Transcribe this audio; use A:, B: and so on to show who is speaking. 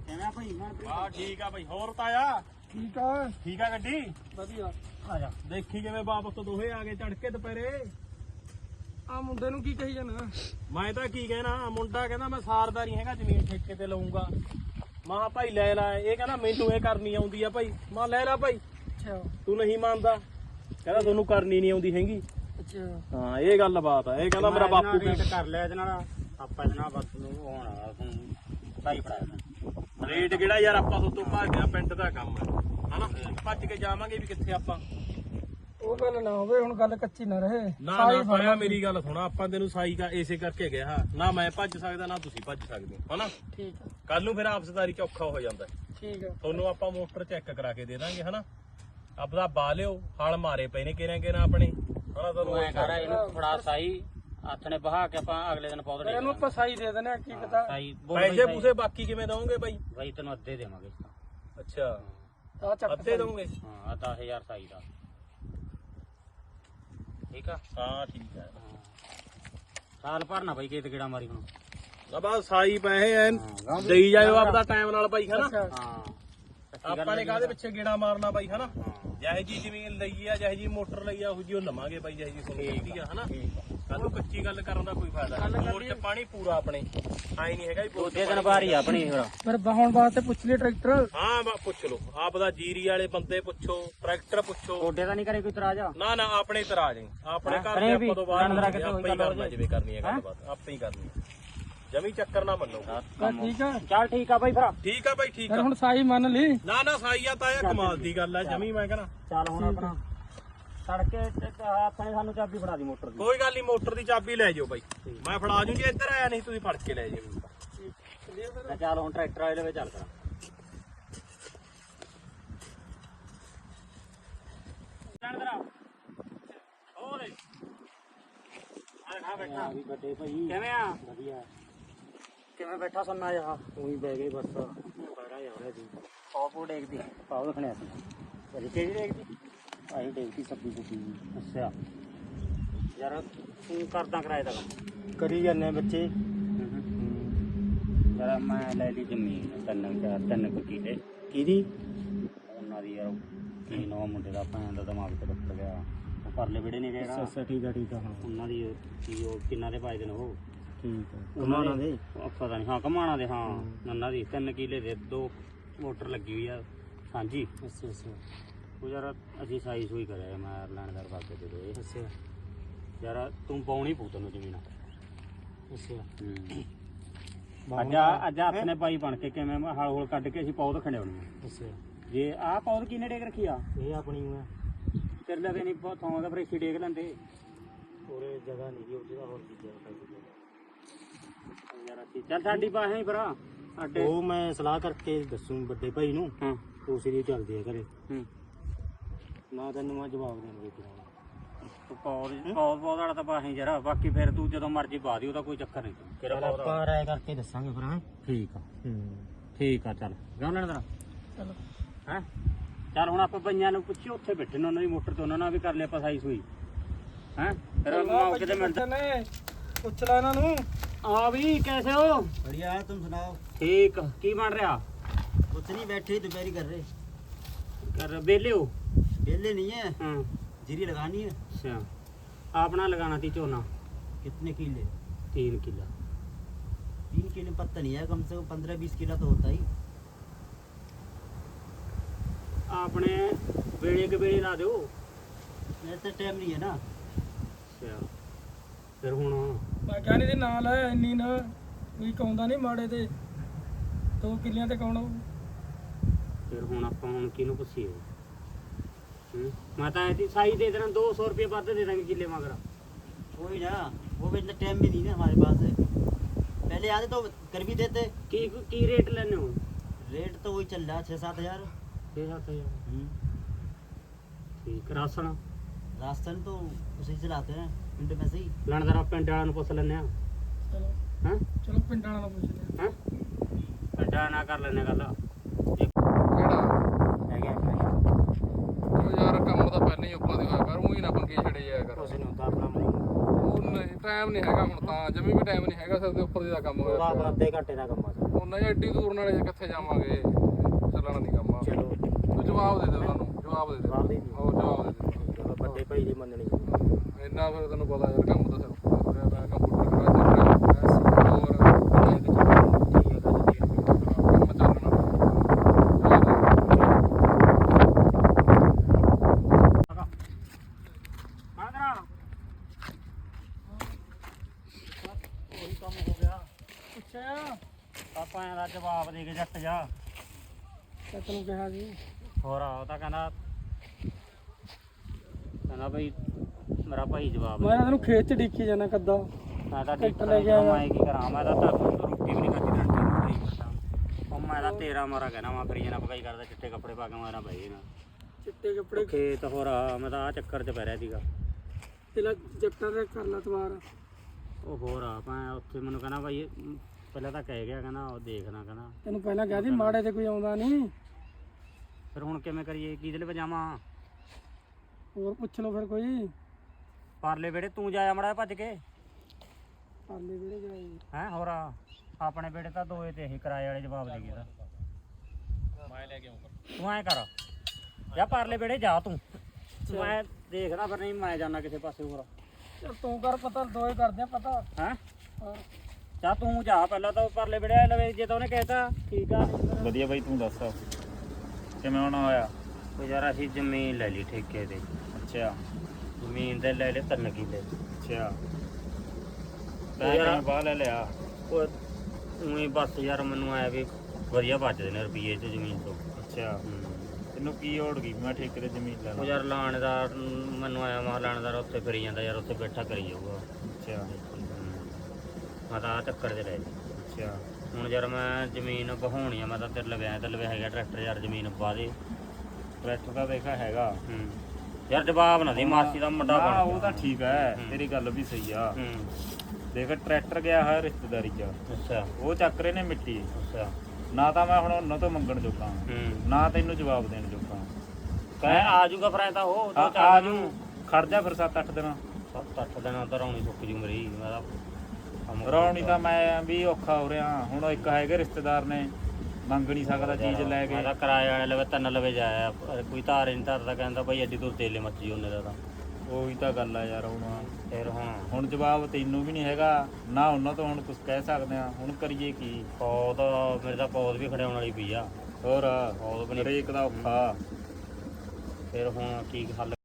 A: ਕਿਵੇਂ ਭਾਈ ਮਨਪ੍ਰੀਤ?
B: ਹਾਂ ਠੀਕ ਆ ਬਾਈ। ਹੋਰ ਤਾਇਆ
C: ਠੀਕ ਆ
B: ਠੀਕ ਆ ਗੱਡੀ?
C: ਵਧੀਆ।
A: ਆ ਜਾ
B: ਦੇਖੀ ਕਿਵੇਂ ਵਾਪਸ ਤੋਂ ਦੋਹੇ ਆ ਗਏ ਚੜ ਕੇ ਦੁਪਹਿਰੇ।
C: ਆ ਮੁੰਡੇ ਨੂੰ ਕੀ ਕਹੀ ਜਾਣਾ?
B: ਮੈਂ ਤਾਂ ਕੀ ਕਹਿਣਾ, ਮੁੰਡਾ ਕਹਿੰਦਾ ਮੈਂ ਸਾਰਦਾਰੀ ਹੈਗਾ ਜ਼ਮੀਨ ਠੇਕੇ ਤੇ ਲਊਂਗਾ। ਮਾਂ ਭਾਈ ਲੈ ਲੈ, ਇਹ ਕਹਿੰਦਾ ਮੈਨੂੰ ਇਹ ਕਰਨੀ ਆਉਂਦੀ ਆ ਭਾਈ। ਮਾਂ ਲੈ ਲੈ ਭਾਈ,
C: ਅੱਛਾ
B: ਤੂੰ ਨਹੀਂ ਮੰਨਦਾ। ਕਹਿੰਦਾ ਤੁਹਾਨੂੰ ਕਰਨੀ ਨਹੀਂ ਆਉਂਦੀ ਹੈਗੀ।
C: ਅੱਛਾ
B: ਹਾਂ ਇਹ ਗੱਲ ਬਾਤ ਆ। ਇਹ ਕਹਿੰਦਾ ਮੇਰਾ ਬਾਪੂ
A: ਰੇਟ ਕਰ ਲਿਆ ਇਹਦੇ ਨਾਲ ਆਪਾਂ ਇਹਦੇ ਨਾਲ ਬਸ ਨੂੰ ਹੋਣਾ ਤੁਹਾਨੂੰ ਸਹੀ ਪੜਾਇਆ।
B: ਰੇਟ ਕਿਹੜਾ ਯਾਰ, ਆਪਾਂ ਤੋਂ ਭੱਜਿਆ ਪਿੰਡ ਦਾ ਕੰਮ ਹੈ ਹਨਾ। ਭੱਜ ਕੇ ਜਾਵਾਂਗੇ ਵੀ ਕਿੱਥੇ ਆਪਾਂ।
C: ਉਹ ਗੱਲ ਨਾ ਹੋਵੇ, ਹੁਣ ਗੱਲ ਕੱਚੀ ਨਾ ਰਹੇ।
B: ਨਾ ਨਾ ਪਾਇਆ, ਮੇਰੀ ਗੱਲ ਸੁਣਾ। ਆਪਾਂ ਤੈਨੂੰ ਸਾਈ ਦਾ ਇਸੇ ਕਰਕੇ ਗਿਆ ਨਾ, ਮੈਂ ਭੱਜ ਸਕਦਾ ਨਾ ਤੁਸੀਂ ਭੱਜ ਸਕਦੇ ਹੋ ਹਨਾ।
C: ਠੀਕ ਆ
B: ਕੱਲ ਨੂੰ ਫਿਰ ਆਪਸਦਾਰੀ ਚ ਔਖਾ ਹੋ ਜਾਂਦਾ।
C: ਠੀਕ ਆ।
B: ਤੁਹਾਨੂੰ ਆਪਾਂ ਮੋਟਰ ਚੈੱਕ ਕਰਾ ਕੇ ਦੇ ਦਾਂਗੇ ਹਨਾ। ਆਪਦਾ ਬਾ ਲਿਓ, ਹਲ ਮਾਰੇ ਪਏ ਨੇ ਕਿਹਨਾਂ ਆਪਣੇ ਹਨਾ। ਤੁਹਾਨੂੰ
A: ਐ ਕਰ ਇਹਨੂੰ ਥੋੜਾ ਸਾਈ ਹੱਥ ਨੇ ਬਹਾ ਕੇ ਆਪਾਂ ਅਗਲੇ ਦਿਨ ਪੌਦੇ
C: ਇਹਨੂੰ ਆਪਾਂ ਸਾਈ ਦੇ ਦਿੰਦੇ ਆ, ਕੀ ਪਤਾ।
A: ਸਾਈ
B: ਪੈਸੇ ਪੂਸੇ ਬਾਕੀ ਕਿਵੇਂ ਦਵੋਗੇ ਬਾਈ?
A: ਬਾਈ ਤੈਨੂੰ ਅੱਧੇ ਦੇਵਾਂਗੇ।
B: ਅੱਛਾ
C: ਆ ਚੱਕ
B: ਅੱਧੇ ਦਵੋਗੇ?
A: ਹਾਂ 10000 ਸਾਈ ਦਾ। ਠੀਕ ਆ।
B: ਹਾਂ ਠੀਕ ਹੈ।
A: ਸਾਲ ਭਰਨਾ ਬਾਈ ਕਿਤੇ ਕਿਹੜਾ ਮਾਰੀ ਹੁਣ।
B: ਬਸ ਸਾਈ ਪੈਸੇ ਐਨ ਦੇਈ ਜਾਇਓ ਆਪਦਾ ਟਾਈਮ ਨਾਲ ਬਾਈ ਹਨਾ।
C: ਅੱਛਾ
A: ਹਾਂ
B: ਆਪਾਂ ਨੇ ਕਾਹਦੇ ਪਿੱਛੇ ਗੇੜਾ ਮਾਰਨਾ ਬਾਈ ਹਨਾ। ਜਿਹੇ ਜੀ ਜ਼ਮੀਨ ਲਈ ਆ, ਜਿਹੇ ਜੀ ਮੋਟਰ ਲਈ ਆ, ਉਹ ਜੀ ਉਹ ਲਵਾਂਗੇ ਬਾਈ। ਜਿਹੇ ਜੀ ਸੁਣੀ ਚਾਹੀਦੀ ਆ ਹਨਾ। ਕੱਲ ਨੂੰ ਕੱਚੀ ਗੱਲ ਕਰਨ ਦਾ ਕੋਈ ਫਾਇਦਾ ਨਹੀਂ। ਮੋਟਰ ਚ ਪਾਣੀ ਪੂਰਾ ਆਪਣੇ ਆਈ ਨਹੀਂ ਹੈਗਾ ਵੀ
A: ਦੂਜੇ ਦਿਨ ਬਾਹਰ ਹੀ ਆ ਆਪਣੀ ਫਿਰ।
C: ਫਿਰ ਬਾਹਣ ਵਾਸਤੇ ਪੁੱਛ ਲਈ ਟਰੈਕਟਰ।
B: ਹਾਂ ਪੁੱਛ ਲਓ, ਆਪਦਾ ਜੀਰੀ ਵਾਲੇ ਬੰਦੇ ਪੁੱਛੋ, ਟਰੈਕਟਰ ਪੁੱਛੋ।
A: ਗੋਡੇ ਦਾ ਨਹੀਂ ਕਰੇ ਕੋਈ ਇਤਰਾਜ਼ ਆ?
B: ਨਾ ਨਾ ਆਪਣੇ ਤਰਾ ਜਾਈ, ਆਪਣੇ ਘਰ ਦੇ ਆਪਾਂ ਤੋਂ ਬਾਹਰ ਆਪੇ ਹੀ ਕਰਨਾ ਜਿਵੇਂ ਕਰਨੀ ਹੈ ਗੱਲਬਾਤ, ਆਪੇ ਹੀ ਕਰਨੀ। ਜਮੀ ਚੱਕਰ ਨਾ ਮੰਨੋ।
C: ਠੀਕ ਆ।
A: ਚੱਲ ਠੀਕ ਆ ਬਾਈ ਫਿਰ।
B: ਠੀਕ ਆ ਬਾਈ ਠੀਕ
C: ਫਿਰ
B: ਆ।
C: ਹੁਣ ਸਾਈ ਮੰਨ ਲਈ।
B: ਨਾ ਨਾ ਸਾਈ ਆ ਤਾਇਆ, ਕਮਾਲ ਦੀ ਗੱਲ ਆ ਜਮੀ। ਮੈਂ ਕਹਿੰਦਾ
A: ਚੱਲ ਹੁਣ ਆਪਣਾ ਸੜਕੇ ਆਪਣੇ ਸਾਨੂੰ ਚਾਬੀ ਫੜਾ ਦੀ ਮੋਟਰ ਦੀ।
B: ਕੋਈ ਗੱਲ ਨਹੀਂ, ਮੋਟਰ ਦੀ ਚਾਬੀ ਲੈ ਜਾਓ ਬਾਈ। ਮੈਂ ਫੜਾ ਜੂ, ਜੇ ਇੱਧਰ ਆਇਆ ਨਹੀਂ ਤੁਸੀਂ ਫੜ ਕੇ ਲੈ ਜਾਓ।
A: ਚੱਲ ਹੁਣ ਟਰੈਕਟਰ ਵਾਲੇ ਦੇ ਵਿੱਚ ਚੱਲ ਕਰਾਂ। ਬੈਠਾ ਵੀ ਵੱਡੇ ਭਾਈ ਕਿਵੇਂ ਆ? ਵਧੀਆ। ਕਿਵੇਂ ਬੈਠਾ ਸੁਣਨਾ ਯਾ? ਤੂੰ ਹੀ ਬਹਿ ਗਈ ਬਸ। ਬੜਾ ਯਾਰ ਦੀ ਪਾਉ ਡੇਕਦੀ ਪਾਉ ਰੱਖਣਿਆ ਸੀ। ਅਜੇ ਕਿਹੜੀ ਡੇਕਦੀ? ਆਹੀ ਡੇਕਦੀ ਸਬਜ਼ੀ ਸੁਬਜ਼ੀ। ਅੱਛਾ ਯਾਰ ਤੂੰ ਕਰਦਾ ਕਿਰਾਏ ਦਾ ਕੰਮ ਕਰੀ ਜਾਂਦੇ ਬੱਚੇ। ਯਾਰ ਮੈਂ ਲੈ ਲਈ ਜ਼ਮੀਨ ਤਿੰਨ ਕੁ ਕਿੱਲੇ। ਕਿਹਦੀ? ਉਹਨਾਂ ਦੀ ਯਾਰ। ਕੀ ਨਵਾਂ ਮੁੰਡੇ ਦਾ ਭੈਣ ਦਾ ਦਿਮਾਗ ਤੇ ਰੁੱਟ ਗਿਆ। ਉਹ ਪਰਲੇ ਵਿਹੜੇ ਨਹੀਂ ਜਿਹੜਾ। ਅੱਛਾ ਠੀਕ ਆ ਠੀਕ ਆ। ਹਾਂ ਉਹਨਾਂ ਦੀ ਕੀ ਉਹ ਕਿੰਨਾ ਦੇ ਪਾਏ ਦੇ ਨੇ ਉਹ? ਠੀਕ ਆ ਕਮਾਣਾ ਦੇ ਪਤਾ ਨਹੀਂ। ਹਾਂ ਕਮਾਣਾ ਦੇ। ਹਾਂ ਉਹਨਾਂ ਦੀ 3 ਕਿੱਲੇ ਦੇ 2 ਮੋਟਰ ਲੱਗੀ ਹੋਈ ਆ ਸਾਂਝੀ। ਅੱਛਾ ਅੱਛਾ। ਉਹ ਯਾਰ ਅਸੀਂ ਸਾਈ ਸੂਈ ਕਰਿਆ ਮੈਂ ਲੈਣਦਾਰ ਬਾਗੇ ਦੇ ਦੋ। ਅੱਛਾ ਯਾਰ ਤੂੰ ਪਾਉਣੀ ਪਊ ਤੈਨੂੰ ਜ਼ਮੀਨ। ਅੱਛਾ ਅੱਜ ਹੱਥ ਨੇ ਪਾਈ ਬਣ ਕੇ ਕਿਵੇਂ ਹਲ ਹੋਲ ਕੱਢ ਕੇ ਅਸੀਂ ਪੌਦ ਖੰਡਾਉਣੀ। ਅੱਛਾ ਜੇ ਆਹ ਪੌਦ ਕਿੰਨੇ ਡੇਕ ਰੱਖੀ ਆ? ਇਹ ਆਪਣੀ ਆ ਤੇਰੇ ਲਵੇ ਨਹੀਂ ਬਹੁਤ ਥਾਂ ਦਾ ਫਿਰ ਇੱਥੇ ਡੇਕ ਲੈਂਦੇ। ਉਹਰੇ ਜਗ੍ਹਾ ਨਹੀਂ ਉਹ ਜਗ੍ਹਾ ਹੋਰ ਚੀਜ਼ਾਂ ਯਾਰ ਅਸੀਂ ਚੱਲ ਸਾਡੀ ਪਾਸੇ ਹੀ ਭਰਾ ਸਾਡੇ। ਉਹ ਮੈਂ ਸਲਾਹ ਕਰਕੇ ਦੱਸੂ ਵੱਡੇ ਭਾਈ ਨੂੰ। ਹਾਂ ਉਸੇ ਚੱਲਦੀ ਆ ਘਰੇ। ਮੈਂ ਤੈਨੂੰ ਮੈਂ ਜਵਾਬ ਦੇਣਗੇ ਪੌਦ ਵਾਲਾ ਤਾਂ ਪਾਸੇ ਜਰਾ। ਬਾਕੀ ਫਿਰ ਤੂੰ ਜਦੋਂ ਮਰਜ਼ੀ ਪਾ ਦੀ, ਉਹਦਾ ਕੋਈ ਚੱਕਰ ਨਹੀਂ। ਤੇਰਾ ਆਪਾਂ ਰਾਏ ਕਰਕੇ ਦੱਸਾਂਗੇ ਫਿਰ। ਠੀਕ ਆ ਠੀਕ ਆ। ਚੱਲ ਜਾ ਲੈਣ ਤੇਰਾ। ਚਲੋ ਹੈਂ ਚੱਲ ਹੁਣ ਆਪਾਂ ਬਈਆਂ ਨੂੰ ਪੁੱਛੀ, ਉੱਥੇ ਬੈਠੇ ਨੇ ਉਹਨਾਂ ਦੀ ਮੋਟਰ ਤੇ, ਉਹਨਾਂ ਨਾਲ ਵੀ ਕਰ ਲਿਆ ਆਪਾਂ ਸਾਈ ਸੂਈ। ਹੈਂ ਫਿਰ ਮੌਕੇ ਤੇ ਮਿਲਦੇ ਨੇ।
C: ਪੁੱਛ ਲੈ ਇਹਨਾਂ ਨੂੰ।
A: ਆ ਵੀ कैसे हो?
D: बढ़िया है, तुम सुनाओ।
A: ठीक की बन रहा?
D: कुछ नहीं, बैठे ही दोपहरी कर रहे।
A: कर बेले हो?
D: बेले नहीं है,
A: हाँ
D: जीरी लगानी है।
A: अच्छा आपना लगाना थी झोना?
D: कितने किले?
A: 3 किला।
D: 3 किले पत्ता नहीं है, कम से कम 15-20 किला तो होता ही।
A: आपने बेड़े के बेड़े ला दो।
D: मेरे तो टाइम नहीं है ना।
A: अच्छा फिर हूँ
C: ਮੈਂ ਕਿਹਾ ਨਹੀਂ ਨਾਲ ਹੈ ਇੰਨੀ ਨਾ ਵੀ ਕੌਂਦਾ ਨਹੀਂ ਮਾੜੇ ਤੇ 2 ਕਿੱਲਿਆਂ ਤੇ ਕੌਣ ਆਊ?
A: ਫਿਰ ਹੁਣ ਆਪਾਂ ਹੁਣ ਕਿਹਨੂੰ ਪੁੱਛੀਏ? ਮੈਂ ਤਾਂ ਐਤੀ ਸਾਈ ਦੇ ਦੇਣਾ 200 रुपये ਵੱਧ ਦੇ ਦਾਂਗੇ ਕਿੱਲੇ ਮਗਰ।
D: वही ना, वो भी इतना टाइम भी नहीं ना हमारे पास है। पहले आते तो कर भी देते।
A: की रेट लेने हो?
D: रेट तो वही चल रहा है 6-7 हज़ार।
A: 6-7 हज़ार ठीक। राशन
D: राशन तो उसे चलाते हैं पिंड में से ही।
A: ਲੈਣਦਾਰ ਪਿੰਡ ਵਾਲਿਆਂ ਨੂੰ ਪੁੱਛ ਲੈਣੇ ਆ।
C: ਚਲੋ
A: ਹਾਂ
C: ਚਲੋ ਪਿੰਡਾਂ ਨਾਲ ਪੁੱਛਦੇ
A: ਹਾਂ ਪਿੰਡ ਵਾਲਿਆਂ ਨਾਲ ਕਰ ਲੈਣੇ ਗੱਲ।
C: ਕਿਹੜਾ
A: ਹੈਗਾ
C: ਉਹ ਯਾਰ ਕੰਮ ਤਾਂ ਪਹਿਲਾਂ ਹੀ ਉੱਪਰ ਦੀ ਹੋਇਆ ਕਰ, ਉਹੀ ਨਾ ਪੰਗੇ ਛੜੇ ਜਾਇਆ ਕਰ।
A: ਉਸ ਨੂੰ ਤਾਂ ਆਪਣਾ
C: ਉਹ ਨਹੀਂ ਟਾਈਮ ਨਹੀਂ ਹੈਗਾ ਹੁਣ ਤਾਂ, ਜਮੀ ਵੀ ਟਾਈਮ ਨਹੀਂ ਹੈਗਾ। ਸਿਰ ਦੇ ਉੱਪਰ ਦੀ ਦਾ ਕੰਮ ਹੋਇਆ
A: ਉਹਦਾ ਆਪਣਾ ਅੱਧੇ ਘੰਟੇ ਦਾ ਕੰਮ ਆ।
C: ਉਹ
E: ਉਹਨਾਂ ਜੇ ਐਡੀ ਦੂਰ ਨਾਲੇ ਕਿੱਥੇ ਜਾਵਾਂਗੇ, ਚੱਲਣਾ ਨਹੀਂ ਕੰਮ।
A: ਚਲੋ
E: ਤੂੰ ਜਵਾਬ ਦੇ ਦੇ ਉਹਨਾਂ ਨੂੰ, ਜਵਾਬ ਦੇ ਦੇ।
A: ਜਵਾਬ ਦੇ ਦੇ।
E: ਉਹ ਜਵਾਬ ਦੇ ਦੇ।
A: ਚਲੋ ਵੱਡੇ ਭਾਈ ਦੀ ਮੰਨਣੀ
E: ਇੰਨਾ ਫਿਰ ਤੈਨੂੰ ਪਤਾ ਯਾਰ ਕੰਮ ਤਾਂ ਸਿਰ ਤੁਰਿਆ ਪਿਆ, ਕੰਪਿਊਟਰ ਕਰਾ ਚੱਲ ਰਿਹਾ ਹੋਰ ਕੰਮ ਚੱਲਣਾ।
A: ਉਹੀ ਕੰਮ ਹੋ ਗਿਆ।
C: ਅੱਛਾ
A: ਆਪਾਂ ਇਹਦਾ ਜਵਾਬ ਦੇ ਕੇ ਜੱਟ ਜਾ।
C: ਤੇ ਤੈਨੂੰ ਕਿਹਾ ਜੀ
A: ਹੋਰ ਉਹ ਤਾਂ ਕਹਿੰਦਾ ਬਈ ਮੇਰਾ ਭਾਈ ਜਵਾਬ
C: ਮੈਂ ਤੈਨੂੰ ਖੇਤ ਚ ਡਿੱਕੀ ਜਾਣਾ ਕੱਦਾ।
A: ਮੈਂ ਤਾਂ
C: ਟਿਕਟ ਲੈ ਕੇ ਆਇਆ।
A: ਮੈਂ ਕੀ ਕਰਾਂ, ਮੈਂ ਤਾਂ ਰੋਟੀ ਵੀ ਨਹੀਂ ਖਾਧੀ ਰਣਕੀ ਨੂੰ ਭਾਈ ਕਰਦਾ। ਉਹ ਮੈਂ ਤਾਂ ਤੇਰਾ ਮਾਰਾ ਕਹਿਣਾ ਮੈਂ ਕਰੀ ਜਾਣਾ ਪਕਾਈ ਕਰਦਾ, ਚਿੱਟੇ ਕੱਪੜੇ ਪਾ ਕੇ ਮਾਰਾ ਭਾਈ ਨਾ
C: ਚਿੱਟੇ ਕੱਪੜੇ
A: ਖੇਤ। ਹੋਰ ਮੈਂ ਤਾਂ ਆ ਚੱਕਰ 'ਚ ਪੈ ਰਿਹਾ ਸੀਗਾ।
C: ਤੇਲਾ ਜੱਟਾਂ ਦੇ ਕਰ ਲਾ ਤਵਾਰ।
A: ਉਹ ਹੋਰ ਮੈਂ ਉੱਥੇ ਮੈਨੂੰ ਕਹਿੰਦਾ ਭਾਈ ਪਹਿਲਾਂ ਤਾਂ ਕਹਿ ਗਿਆ, ਕਹਿੰਦਾ ਉਹ ਦੇਖਣਾ, ਕਹਿੰਦਾ
C: ਤੈਨੂੰ ਪਹਿਲਾਂ ਕਿਹਾ ਸੀ ਮਾੜੇ ਤੇ ਕੋਈ ਆਉਂਦਾ ਨਹੀਂ।
A: ਫਿਰ ਹੁਣ ਕਿਵੇਂ ਕਰੀਏ, ਕਿਹਦੇ ਲਈ ਪਜਾਵਾਂ?
C: ਹੋਰ ਪੁੱਛ ਲਓ ਫਿਰ ਕੋਈ।
A: ਪਰਲੇ ਵੇੜੇ ਤੂੰ ਜਾਇਆ ਮੜਾ ਭੱਜ ਕੇ
C: ਪਾਲੇ ਵੀੜੇ ਜਾਈ।
A: ਹੈਂ। ਹੋਰ ਆਪਣੇ ਵੇੜੇ ਤਾਂ ਦੋਏ ਤੇ ਇਹ ਕਿਰਾਏ ਵਾਲੇ ਜਵਾਬ ਦੇ ਗਏ ਤਾਂ
B: ਮੈਂ ਲੈ ਕੇ ਆਉਂਗਾ।
A: ਤੂੰ ਐਂ ਕਰ ਜਾਂ ਪਰਲੇ ਵੇੜੇ ਜਾ ਤੂੰ, ਮੈਂ ਦੇਖਦਾ ਫਿਰ ਨਹੀਂ ਮੈਂ ਜਾਣਾ ਕਿਸੇ ਪਾਸੇ ਹੋਰ।
C: ਚੱਲ ਤੂੰ ਕਰ ਪਤਾ, ਦੋਏ ਕਰਦੇ ਆ ਪਤਾ।
A: ਹੈਂ
C: ਹਾਂ
A: ਚਾ ਤੂੰ ਜਾ ਪਹਿਲਾਂ ਤਾਂ ਪਰਲੇ ਵੇੜੇ ਲਵੇ, ਜੇ ਤਾਂ ਉਹਨੇ ਕਹਿਤਾ ਠੀਕ ਆ।
F: ਵਧੀਆ ਬਾਈ, ਤੂੰ ਦੱਸ ਕਿਵੇਂ ਹੋਣਾ ਹੋਇਆ?
A: ਉਹ ਯਾਰ ਅਸੀਂ ਜ਼ਮੀਨ ਲੈ ਲਈ ਠੇਕੇ ਤੇ।
F: ਅੱਛਾ
A: ਜ਼ਮੀਨ ਤੇ ਲੈ ਲਏ 3 ਕਿੱਲੇ।
F: ਅੱਛਾ, ਮੈਂ
A: ਯਾਰ-
F: ਕਿਵੇਂ ਬਾਹ ਲੈ ਲਿਆ?
A: ਉਹ ਉਹੀ ਬਸ ਯਾਰ ਮੈਨੂੰ ਆਇਆ ਵੀ ਵਧੀਆ ਬਚਦੇ ਨੇ ਰੁਪਈਏ ਚ ਜ਼ਮੀਨ ਤੋਂ।
F: ਅੱਛਾ, ਤੈਨੂੰ ਕੀ ਹੋੜ ਗਈ ਮੈਂ ਠੇਕੇ ਤੇ ਜ਼ਮੀਨ ਲੈ
A: ਉਹ
F: ਲਾਂ?
A: ਯਾਰ ਲਾਣੇਦਾਰ ਮੈਨੂੰ ਆਇਆ ਮਾ ਲਾਣੇਦਾਰ ਉੱਥੇ ਕਰੀ ਜਾਂਦਾ ਯਾਰ, ਉੱਥੇ ਬੈਠਾ ਕਰੀ ਜਾਊਗਾ।
F: ਅੱਛਾ
A: ਮੈਂ ਤਾਂ ਆਹ ਚੱਕਰ 'ਚ ਰਹਿ
F: ਅੱਛਾ
A: ਹੁਣ ਯਾਰ ਮੈਂ ਜ਼ਮੀਨ ਬਹਾਉਣੀ ਆ, ਮੈਂ ਤਾਂ ਤੇਰੇ ਲਵੇ ਆਇਆ, ਤੇ ਲਵੇ ਹੈਗਾ ਟਰੈਕਟਰ ਯਾਰ, ਜ਼ਮੀਨ ਪਾ ਦੇ।
F: ਟਰੈਕਟਰ ਦਾ ਦੇਖਾ ਹੈਗਾ।
A: ਯਾਰ ਜਵਾਬ ਨਾ ਦੇ, ਮਾਸੀ ਦਾ ਮੁੰਡਾ
F: ਹਾਂ
A: ਬਣ
F: ਉਹ ਤਾਂ ਠੀਕ ਹੈ,
A: ਹੂੰ।
F: ਤੇਰੀ ਗੱਲ ਵੀ ਸਹੀ ਆ।
A: ਹੂੰ
F: ਦੇਖ ਟਰੈਕਟਰ ਗਿਆ ਹੈ ਰਿਸ਼ਤੇਦਾਰੀ 'ਚ,
A: ਅੱਛਾ
F: ਉਹ ਚੱਕ ਰਹੇ ਨੇ ਮਿੱਟੀ।
A: ਅੱਛਾ
F: ਨਾ ਤਾਂ ਮੈਂ ਹੁਣ ਉਹਨਾਂ ਤੋਂ ਮੰਗਣ ਜੋਗਾ,
A: ਹੂੰ
F: ਨਾ ਤੈਨੂੰ ਜਵਾਬ ਦੇਣ ਜੋਗਾ।
A: ਕਹਿ ਆ ਜੂਗਾ ਫਿਰ ਐਂ ਤਾਂ ਉਹ ਦੋ
F: ਆ
A: ਚਾਰ
F: ਜੂ, ਖੜ ਜਾ ਫਿਰ 7-8 ਦਿਨ।
A: 7-8 ਦਿਨਾਂ ਤਾਂ ਰੌਣੀ ਸੁੱਕ ਜੂ ਮੇਰੀ। ਮੈਂ ਤਾਂ ਕੰਮ
F: ਰੌਣੀ ਤਾਂ ਮੈਂ ਵੀ ਔਖਾ ਹੋ ਰਿਹਾ ਹੁਣ। ਇੱਕ ਹੈਗੇ ਰਿਸ਼ਤੇਦਾਰ ਨੇ, ਮੰਗ ਨਹੀਂ ਸਕਦਾ ਚੀਜ਼ ਲੈ ਕੇ।
A: ਮੈਂ ਤਾਂ ਕਿਰਾਏ ਵਾਲੇ ਲਵੇ 3 ਲਵੇ ਜਾਇਆ, ਕੋਈ ਧਾਰ ਨਹੀਂ ਧਰਦਾ, ਕਹਿੰਦਾ ਭਾਈ ਐਡੀ ਦੂਰ ਤੇਲੇ ਮੱਚੀ ਉਹਨੇ ਦਾ ਤਾਂ।
F: ਉਹੀ ਤਾਂ ਗੱਲ ਆ ਯਾਰ।
A: ਫਿਰ
F: ਹੁਣ ਜਵਾਬ ਤੈਨੂੰ ਵੀ ਨਹੀਂ ਹੈਗਾ, ਨਾ ਉਹਨਾਂ ਤੋਂ ਹੁਣ ਕੁਝ ਕਹਿ ਸਕਦੇ ਆ। ਹੁਣ ਕਰੀਏ ਕੀ?
A: ਪੌਦ ਮੇਰੇ ਤਾਂ ਪੌਦ ਵੀ ਖੜਿਆਉਣ ਵਾਲੀ ਪਈ ਆ।
F: ਹੋਰ
A: ਪੌਦ ਵੀ ਨਹੀਂ।
F: ਹਰੇਕ ਦਾ ਔਖਾ।
A: ਫਿਰ ਹੁਣ ਕੀ ਹੱਲ